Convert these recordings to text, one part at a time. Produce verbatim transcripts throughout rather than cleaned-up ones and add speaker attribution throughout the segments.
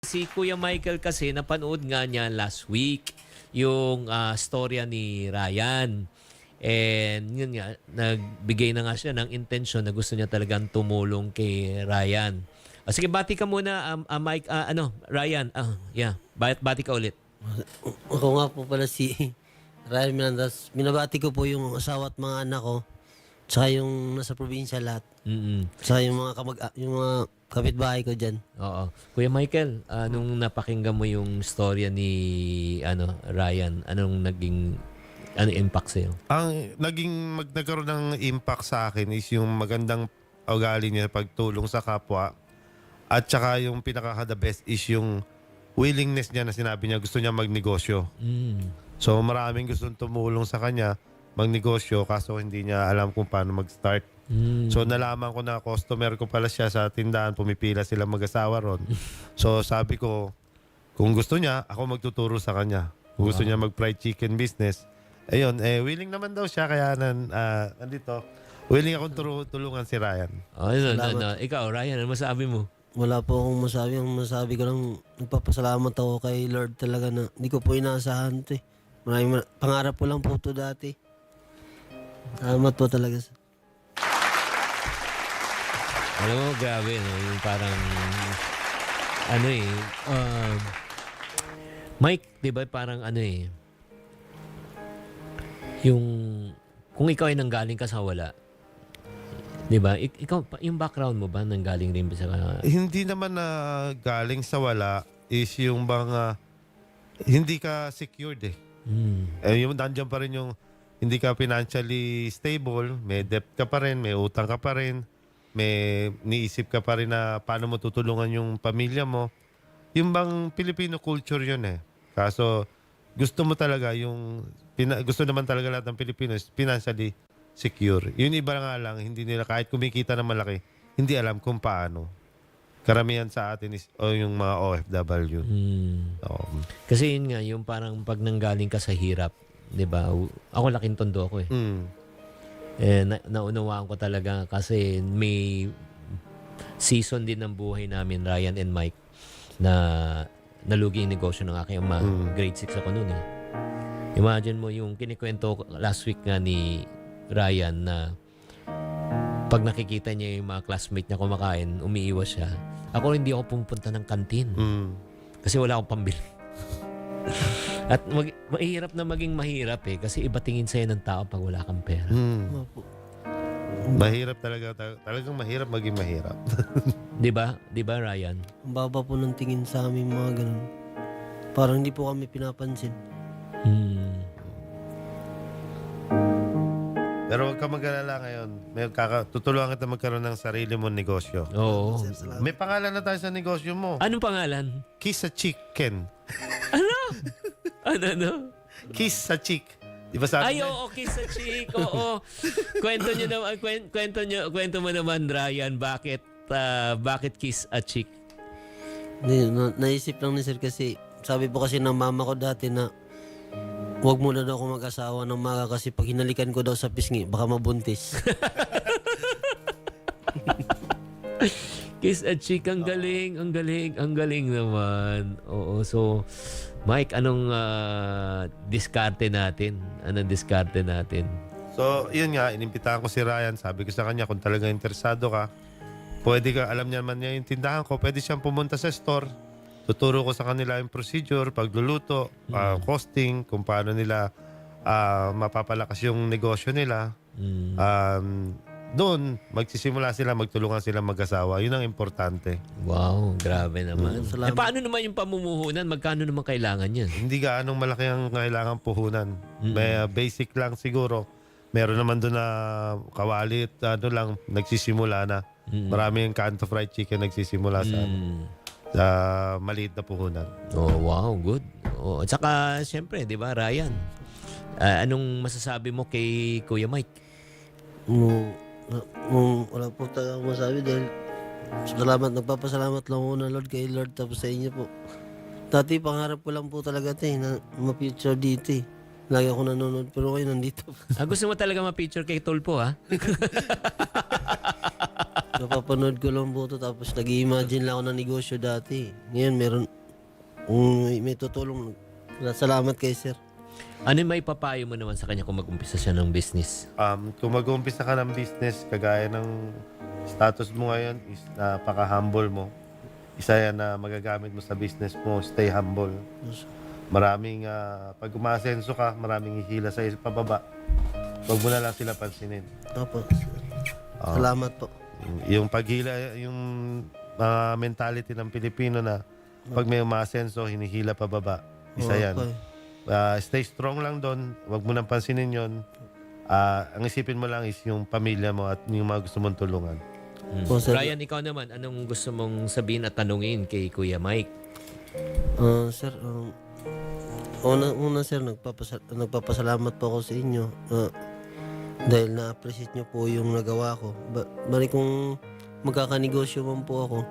Speaker 1: Si Kuya Michael kasi napanood nga niya last week yung ah, storya ni Ryan. And yun nga, nagbigay na nga siya ng intensyon na gusto niya talagang tumulong kay Ryan. Ah, sige, bati ka muna, um, ah, Mike, ah, ano, Ryan. Ah, yeah, bati, bati ka ulit.
Speaker 2: Ako nga po pala si Ryan Menendez. Minabati ko po yung asawa at mga anak ko. Tsaka yung nasa probinsya lahat.
Speaker 1: Mm-mm.
Speaker 2: Tsaka yung mga, kamag yung mga kapitbahay ko dyan.
Speaker 1: Oo. Kuya Michael, ah, nung napakinggan mo yung storya ni ano Ryan, anong naging ano impact sa'yo?
Speaker 3: Ang naging mag, nagkaroon ng impact sa akin is yung magandang ugali niya pagtulong sa kapwa. At saka yung pinaka-the best is yung willingness niya na sinabi niya gusto niya magnegosyo.
Speaker 1: Mm.
Speaker 3: So maraming gustong tumulong sa kanya magnegosyo kaso hindi niya alam kung paano mag-start.
Speaker 1: Mm.
Speaker 3: So nalaman ko na customer ko pala siya sa tindahan, pumipila sila mag-asawa ron. So sabi ko, kung gusto niya, ako magtuturo sa kanya. Kung gusto niya mag-fried chicken business, ayun, eh willing naman daw siya kaya nan, ah, nandito, willing akong turu- tulungan si Ryan.
Speaker 1: Oh, no, no,
Speaker 2: Salamat.
Speaker 1: no. Ikaw, Ryan, ano masabi mo?
Speaker 2: Wala po akong masabi. Ang masabi ko lang, nagpapasalamat ako kay Lord talaga na hindi ko po inaasahan ito eh. Maraming mar- pangarap ko lang po ito dati. Salamat po talaga.
Speaker 1: Alam mo, grabe, no? Yung parang, ano eh, um, Mike, di ba parang ano eh, yung, kung ikaw ay nanggaling ka sa wala, di ba, Ik- ikaw, yung background mo ba nanggaling rin ba sa,
Speaker 3: Hindi naman na galing sa wala is yung bang ah, hindi ka secured eh.
Speaker 1: hmm,
Speaker 3: Eh, yung nandiyan pa rin yung hindi ka financially stable, may debt ka pa rin, may utang ka pa rin, may niisip ka pa rin na paano mo tutulungan yung pamilya mo. Yung bang Filipino culture yun eh. Kaso gusto mo talaga yung, pina, gusto naman talaga lahat ng Pilipino is financially secure. Yun iba nga lang, hindi nila kahit kumikita ng malaki, hindi alam kung paano. Karamihan sa atin is o yung mga O F W.
Speaker 1: hmm.
Speaker 3: Oo.
Speaker 1: Kasi yun nga, yung parang pag nanggaling ka sa hirap, di ba, ako laking tondo ako eh.
Speaker 3: Mm.
Speaker 1: Eh, na- naunawaan ko talaga kasi may season din ng buhay namin, Ryan and Mike, na nalugi yung negosyo ng aking ama.
Speaker 3: Mm.
Speaker 1: Grade six ako noon eh. Imagine mo yung kinikwento ko last week nga ni Ryan na pag nakikita niya yung mga classmate niya kumakain, umiiwas siya. Ako hindi ako pumunta ng kantin
Speaker 3: Mm.
Speaker 1: kasi wala akong pambili. At mag- mahirap na maging mahirap eh kasi iba tingin sa'yo ng tao pag wala kang pera.
Speaker 3: Mm.
Speaker 2: Opo.
Speaker 3: Mahirap talaga. tal- Talagang mahirap maging mahirap.
Speaker 1: Di ba? Di ba, Ryan?
Speaker 2: Ang baba po ng tingin sa amin mga ganun. Parang hindi po kami pinapansin.
Speaker 1: Hmm.
Speaker 3: Pero huwag ka mag-alala ngayon. May kaka- tutulungan kita magkaroon ng sarili mong negosyo.
Speaker 1: Oo.
Speaker 2: Sir, salamat.
Speaker 3: May pangalan na tayo sa negosyo mo.
Speaker 1: Anong pangalan?
Speaker 3: Kiss sa Chicken.
Speaker 1: Ano? Ano, ano?
Speaker 3: Kiss sa Chick. Di ba sabi
Speaker 1: Ay,
Speaker 3: niya?
Speaker 1: oo, kiss sa chick. Oo. Kwento nyo naman, kwen- kwento nyo, kwento mo naman, Ryan, bakit, ah, bakit kiss a chick?
Speaker 2: Hindi, na, naisip lang ni sir kasi sabi po kasi ng mama ko dati na huwag muna daw ako mag-asawa ng maga kasi pag hinalikan ko daw sa pisngi, baka mabuntis.
Speaker 1: Kiss a chick, ang galing, ang galing, ang galing naman. Oo, so, Mike, anong ah, diskarte natin? Anong diskarte natin?
Speaker 3: So, yun nga. Inimbitahan ko si Ryan. Sabi ko sa kanya, kung talaga interesado ka, pwede ka, alam niya naman niya yung tindahan ko, pwede siyang pumunta sa store. Tuturo ko sa kanila yung procedure, pagluluto, ah, costing, kung paano nila ah, mapapalakas yung negosyo nila.
Speaker 1: Mm.
Speaker 3: Um, doon, magsisimula sila, magtulungan sila mag-asawa. Yun ang importante.
Speaker 1: Wow, grabe naman.
Speaker 2: Mm,
Speaker 1: Eh,
Speaker 2: salamat.
Speaker 1: paano naman yung pamumuhunan? Magkano naman kailangan yan?
Speaker 3: Hindi gaanong malaki ang kailangan puhunan. May uh, basic lang siguro. Meron naman doon na kawalit, ano lang, nagsisimula na.
Speaker 1: Mm.
Speaker 3: Marami yung Kanto Fried Chicken nagsisimula sa,
Speaker 1: Mm.
Speaker 3: sa maliit na puhunan.
Speaker 1: Oh, wow, good. Oh, at saka, siyempre, di ba, Ryan? Ah, anong masasabi mo kay Kuya Mike?
Speaker 2: Mo, mo, wala po talaga akong masabi dahil salamat, nagpapasalamat lang ako na Lord kay Lord tapos sa inyo po. Dati pangarap ko lang po talaga ito eh, na ma-future dito eh. Lagi ako nanonood pero kayo nandito.
Speaker 1: Ah, gusto mo talaga ma-picture kay Tulpo, ha?
Speaker 2: Napapanood ko lang po ito tapos nag-imagine lang ako ng negosyo dati. Ngayon meron, kung may, may tutulong, salamat kay sir.
Speaker 1: Ano yung may papayo mo naman sa kanya kung mag-umpisa siya ng business?
Speaker 3: Um, kung mag-uumpisa ka ng business, kagaya ng status mo ngayon is napaka-humble mo. Isa yan na magagamit mo sa business mo, stay humble. Maraming, ah, pag umasenso ka, maraming hihila sa pababa. Huwag mo na lang sila pansinin.
Speaker 2: Opo. Salamat po.
Speaker 3: Yung paghila, yung ah, mentality ng Pilipino na pag may umasenso, hinihila pababa. Isa yan.
Speaker 2: Okay.
Speaker 3: Ah, stay strong lang doon. Huwag mo nang pansinin yon. Ah, ang isipin mo lang is yung pamilya mo at yung mga gusto mong tulungan.
Speaker 1: Hmm.
Speaker 2: Po, sir.
Speaker 1: Ryan, ikaw naman, anong gusto mong sabihin at tanungin kay Kuya Mike?
Speaker 2: Ah, sir, um, una, una sir, nagpapasa, nagpapasalamat po ako sa inyo. Ah, dahil na-appreciate nyo po yung nagawa ko. Ba, bali kung magkakanegosyo man po ako,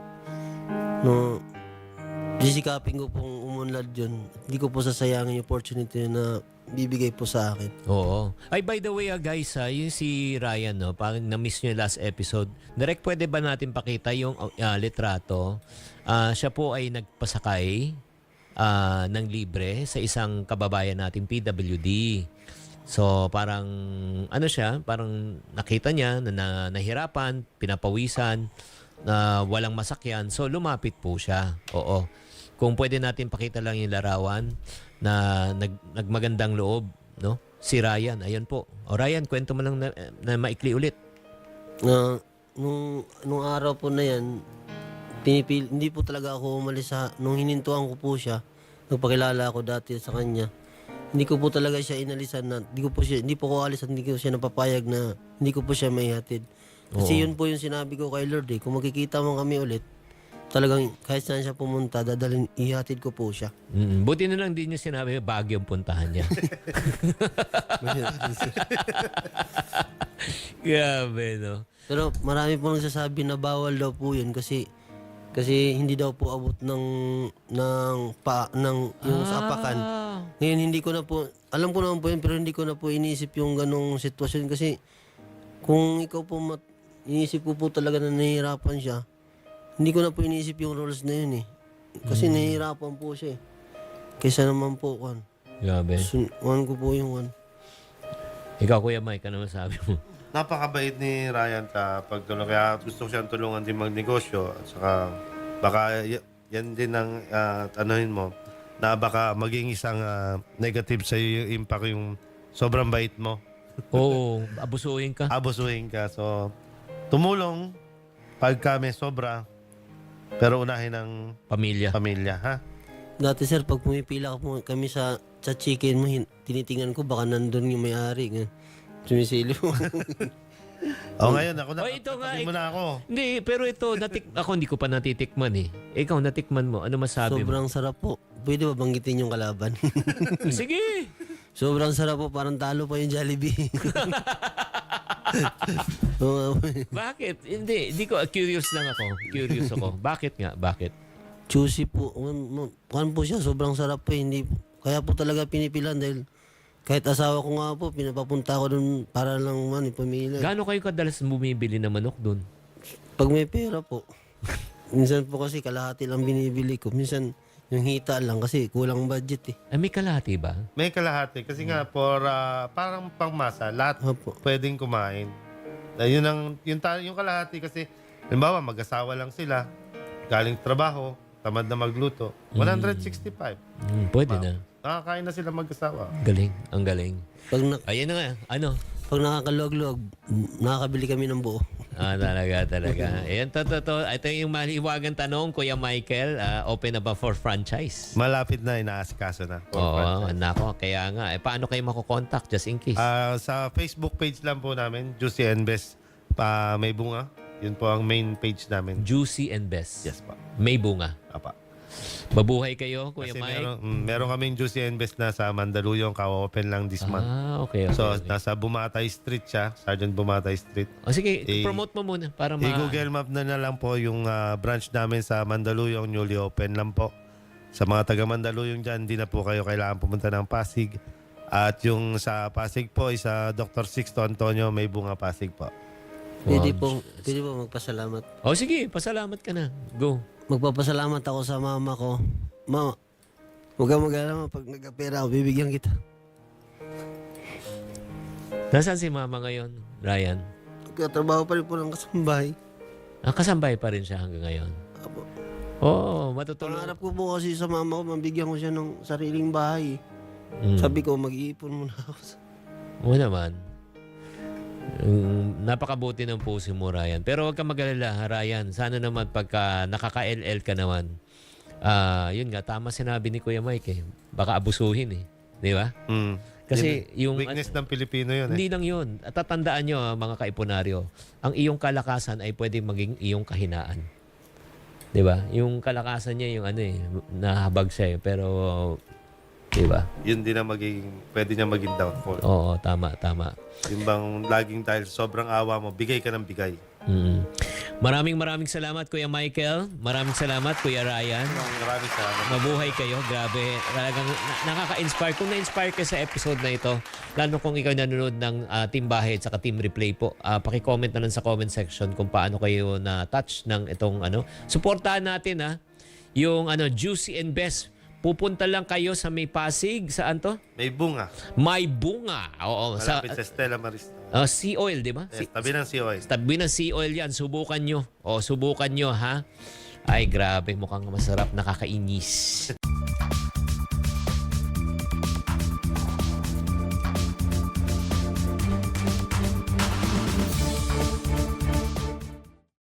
Speaker 2: no, sisikapin ko pong umunlad yun. Hindi ko po sasayangin yung opportunity na bibigay po sa akin.
Speaker 1: Oo. Ay, by the way, ah, guys, ah, yung si Ryan, no, parang na-miss nyo yung last episode. Direct, pwede ba natin pakita yung ah, litrato? Ah, siya po ay nagpasakay ah, ng libre sa isang kababayan nating P W D. So, parang, ano siya, parang nakita niya na, na nahirapan, pinapawisan, na walang masakyan. So, lumapit po siya. Oo. Kung pwede natin pakita lang yung larawan na nag, nagmagandang loob, no? Si Ryan, ayun po. O Ryan, kwento mo lang na, na maikli ulit.
Speaker 2: Na nung, nung araw po na yan, pinipil, hindi po talaga ako umalis sa, nung hinintuan ko po siya, nagpakilala ako dati sa kanya. Hindi ko po talaga siya inalisan na, hindi ko po siya, hindi po ko alis at hindi ko siya napapayag na hindi ko po siya maihatid. Kasi
Speaker 1: Oo.
Speaker 2: yun po yung sinabi ko kay Lord eh, kung magkikita mo kami ulit, talagang kahit saan siya pumunta, dadalhin, ihatid ko po siya.
Speaker 1: Mm, buti na lang din niya sinabi, Baguio ang puntahan niya. Grabe, no?
Speaker 2: Pero marami po nagsasabi na bawal daw po yun kasi kasi hindi daw po abot ng ng pa ng yung sa apakan.
Speaker 1: Ah.
Speaker 2: Ngayon hindi ko na po, alam ko naman po yun, pero hindi ko na po iniisip yung ganong sitwasyon kasi kung ikaw po mat, iniisip ko po talaga na nahihirapan siya, hindi ko na po iniisip yung rules na yun eh. Kasi
Speaker 1: Hmm.
Speaker 2: nahihirapan po siya eh. Kaysa naman po, kan.
Speaker 1: Grabe.
Speaker 2: Sun- one ko po yung one.
Speaker 1: Ikaw, Kuya Mike, ano masabi mo?
Speaker 3: Napakabait ni Ryan sa pagtulong. Kaya gusto ko siyang tulungan din magnegosyo. At saka baka y- yan din ang uh, anuhin mo na baka maging isang ah, negative sa iyo yung impact yung sobrang bait mo.
Speaker 1: Oo, abusuhin ka.
Speaker 3: Abusuhin ka. So, tumulong pagka may sobra. Pero unahin ang
Speaker 1: Pamilya.
Speaker 3: pamilya, ha?
Speaker 2: Dati sir, pag pumipila po kami sa sa chicken mo, hin- tinitingnan ko baka nandun yung may-ari. Ganun. Sumisili mo.
Speaker 3: O ngayon, ako na.
Speaker 1: Oh, ito nga,
Speaker 3: tabi mo na ako.
Speaker 1: Hindi, pero ito, natik ako hindi ko pa natitikman eh. Ikaw, natikman mo. Ano masabi
Speaker 2: Sobrang sarap po. Pwede ba banggitin yung kalaban?
Speaker 1: mo? Sige!
Speaker 2: Sobrang sarap po. Parang talo pa yung Jollibee. Oo,
Speaker 1: Bakit? Hindi, hindi ko, curious lang ako. Curious ako. Bakit nga? Bakit?
Speaker 2: Juicy po. Kuhan po siya. Sobrang sarap po. Hindi, kaya po talaga pinipilan dahil kahit asawa ko nga po, pinapapunta ko dun para lang man ipamili.
Speaker 1: Gaano kayo kadalas bumibili ng manok dun?
Speaker 2: Pag may pera po. Minsan po kasi kalahati lang binibili ko. Minsan yung hita lang kasi kulang budget eh.
Speaker 1: Ay, may kalahati ba?
Speaker 3: May kalahati. Kasi nga, for, ah, parang pangmasa, lahat
Speaker 2: Opo.
Speaker 3: pwedeng kumain. Uh, yun ang, yung, ta- yung kalahati kasi, halimbawa, mag-asawa lang sila, galing trabaho, tamad na magluto, one hundred sixty-five.
Speaker 1: Hmm, pwede
Speaker 3: Wow.
Speaker 1: na.
Speaker 3: Nakakain na sila mag-asawa.
Speaker 1: Galing. Ang galing.
Speaker 2: Pag, na,
Speaker 1: Ayun na nga. Ano?
Speaker 2: pag nakakaluwag-luwag, nakakabili kami ng buo.
Speaker 1: Ah, talaga, talaga. Ayan, to, to, to. Ito yung maliwagang tanong, Kuya Michael. ah, open na ba for franchise?
Speaker 3: Malapit na, inaasikaso na. for
Speaker 1: Oo,
Speaker 3: franchise.
Speaker 1: nako. Kaya nga. Eh, paano kayo makukontakt just in case?
Speaker 3: Ah, sa Facebook page lang po namin, Juicy and Best pa may bunga. Yun po ang main page namin.
Speaker 1: Juicy and Best.
Speaker 3: Yes pa.
Speaker 1: May bunga.
Speaker 3: Apa.
Speaker 1: Mabuhay kayo, Kuya
Speaker 3: Kasi
Speaker 1: Mike.
Speaker 3: meron, mm, meron kaming Juicy and Best na sa Mandaluyong, ka-open lang this month.
Speaker 1: Ah, okay, okay.
Speaker 3: So,
Speaker 1: okay.
Speaker 3: nasa Bumatay Street siya, Sergeant Bumatay Street.
Speaker 1: O sige,
Speaker 3: i-
Speaker 1: promote mo muna para ma...
Speaker 3: I-Google Map na na lang po yung ah, branch namin sa Mandaluyong, newly open lang po. Sa mga taga Mandaluyong dyan, hindi na po kayo kailangan pumunta ng Pasig. At yung sa Pasig po, is sa Doctor Sixto Antonio, may bunga Pasig po.
Speaker 2: Pwede
Speaker 1: Wow.
Speaker 2: po, pwede po magpasalamat.
Speaker 1: O sige, pasalamat ka na. Go.
Speaker 2: Magpapasalamat ako sa mama ko. Mama, huwag kang mag-alala, pag nagkapera ako, bibigyan kita.
Speaker 1: Nasaan si mama ngayon, Ryan?
Speaker 2: Katrabaho pa rin po ng kasambahay.
Speaker 1: Ah, kasambay pa rin siya hanggang ngayon.
Speaker 2: Apo.
Speaker 1: Oo, matutulong.
Speaker 2: Pangarap ko po kasi sa mama ko, mabigyan ko siya ng sariling bahay.
Speaker 1: Mm.
Speaker 2: Sabi ko, mag-iipon muna ako. sa-
Speaker 1: Oo naman. Mm, napakabuti ng puso mo, Ryan. Pero huwag kang mag-alala, ha, Ryan. Sana naman pagka nakaka-L L ka naman, ah, yun nga, tama sinabi ni Kuya Mike eh. Baka abusuhin eh. Di ba?
Speaker 3: Mm.
Speaker 1: Kasi yung...
Speaker 3: Weakness ng Pilipino yun eh.
Speaker 1: Hindi lang yun. At tatandaan nyo, ah, mga kaipunaryo, ang iyong kalakasan ay pwede maging iyong kahinaan. Di ba? Yung kalakasan niya, yung ano eh, nahabag siya eh. Pero, di ba?
Speaker 3: Yun din ang magiging, pwede niya maging downfall.
Speaker 1: Oo, tama, tama.
Speaker 3: Yung bang laging dahil sa sobrang awa mo, bigay ka ng bigay.
Speaker 1: Mm. Maraming maraming salamat, Kuya Michael. Maraming salamat, Kuya Ryan.
Speaker 3: Maraming salamat.
Speaker 1: Mabuhay kayo. Grabe. Talagang na- nakaka-inspire. Kung na-inspire ka sa episode na ito, lalo kung ikaw nanonood ng ah, Team Bahay at saka Team Replay po, uh, paki-comment na lang sa comment section kung paano kayo na-touch ng itong ano. Suportahan natin ha, yung ano, Juicy and Best. Pupunta lang kayo sa May Pasig. Saan to?
Speaker 3: May bunga.
Speaker 1: May Bunga. Oo. Sa,
Speaker 3: Malapit sa Stella Maris.
Speaker 1: uh, Sea Oil, di ba?
Speaker 3: Yes, tabi ng C O S.
Speaker 1: Tabi ng sea oil yan. Subukan nyo. O, subukan nyo, ha? Ay, grabe. Mukhang masarap. Nakakainis.